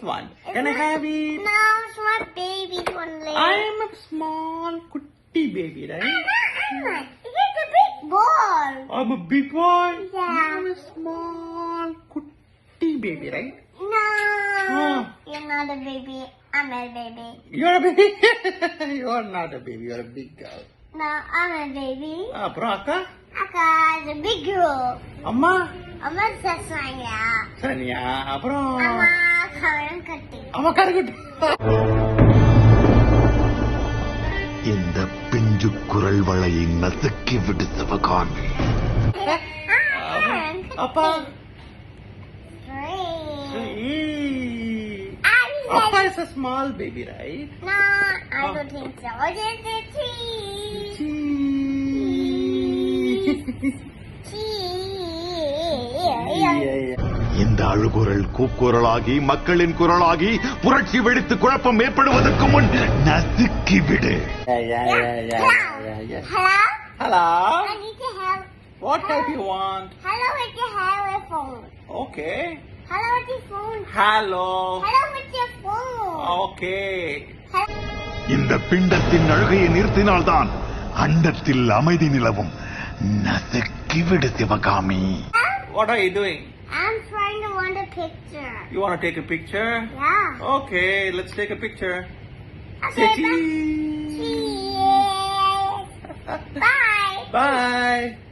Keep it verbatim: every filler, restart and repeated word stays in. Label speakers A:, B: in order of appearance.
A: one. Can I have it?
B: No, it's my baby only.
A: I am a small kutti baby, right?
B: It's a big ball.
A: I'm a big boy.
B: Yeah.
A: I'm a small kutti baby, right?
B: No,
A: Oh.
B: you're not a baby. I'm a baby.
A: You're a baby. You're not a baby. You're a big girl.
B: No, I'm a baby.
A: அப்புறம் அக்கா
B: Aka is a big girl.
A: அம்மா
B: I'm a Sasanya.
A: சரியா அப்புறம்
B: Amma Karan Katti.
A: அம்மா கருக்குட்டி
C: இந்த பிஞ்சு குரல் வளையை நசுக்கி விடு சிவகாமி.
A: அப்பா
B: Three.
A: Appa is a small baby, right?
B: No, I don't think so. Just a tree.
C: இந்த அழுகுரல் கூக்குரலாகி மக்களின் குரலாகி புரட்சி வெடித்து குழப்பம் ஏற்படுவதற்கு முன் நசுக்கி விடு.
B: Hello?
A: Hello?
B: I need to have.
A: What type you want?
B: Hello with your hello phone.
A: Okay.
B: Hello with your phone.
A: Hello.
B: Hello with your phone.
A: Okay.
B: Hello.
C: இந்த பிண்டத்தின் அழுகையை நிறுத்தினால்தான் அண்டத்தில் அமைதி நிலவும். நசுக்கி விடு Sivakami.
A: What are you doing?
B: I'm trying to want a picture.
A: You want to take a picture?
B: Yeah.
A: Okay, let's take a picture.
B: Okay,
A: Say
B: bye.
A: cheese.
B: Cheese. Bye.
A: Bye.